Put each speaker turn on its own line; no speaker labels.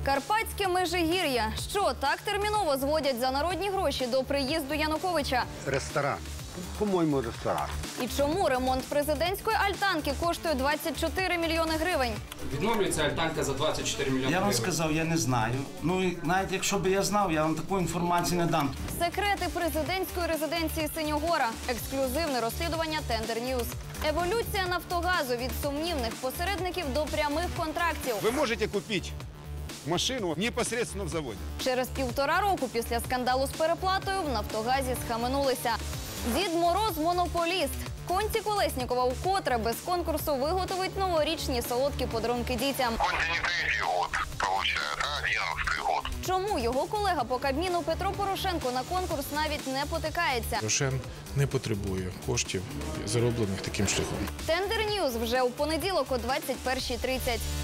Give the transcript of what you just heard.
Карпатське Межигір'я. Що так терміново зводять за народні гроші до приїзду Януковича?
Ресторан. По-моєму, ресторан.
І чому ремонт президентської альтанки коштує 24 мільйони гривень?
Відновлюється альтанка за 24 мільйони
Я вам
гривень.
сказав, я не знаю. Ну, і навіть якщо б я знав, я вам таку інформацію не дам.
Секрети президентської резиденції Синьогора. Ексклюзивне розслідування Тендер Ньюз. Еволюція Нафтогазу від сумнівних посередників до прямих контрактів.
Вы можете купить машину непосредственно в заводе.
Через 1,5 року після скандалу з переплатою в Нафтогазі схаменулися. Дід Мороз – монополіст. Конці Колеснікова вкотре без конкурсу виготовить новорічні солодкі подарунки дітям.
Конти не третий год получает, а 11-й год.
Чому його колега по Кабміну Петро Порошенко на конкурс навіть не потикається?
Рошен не потребує коштів, зароблених таким шляхом.
Тендер Ньюз вже у понеділок о 21:30.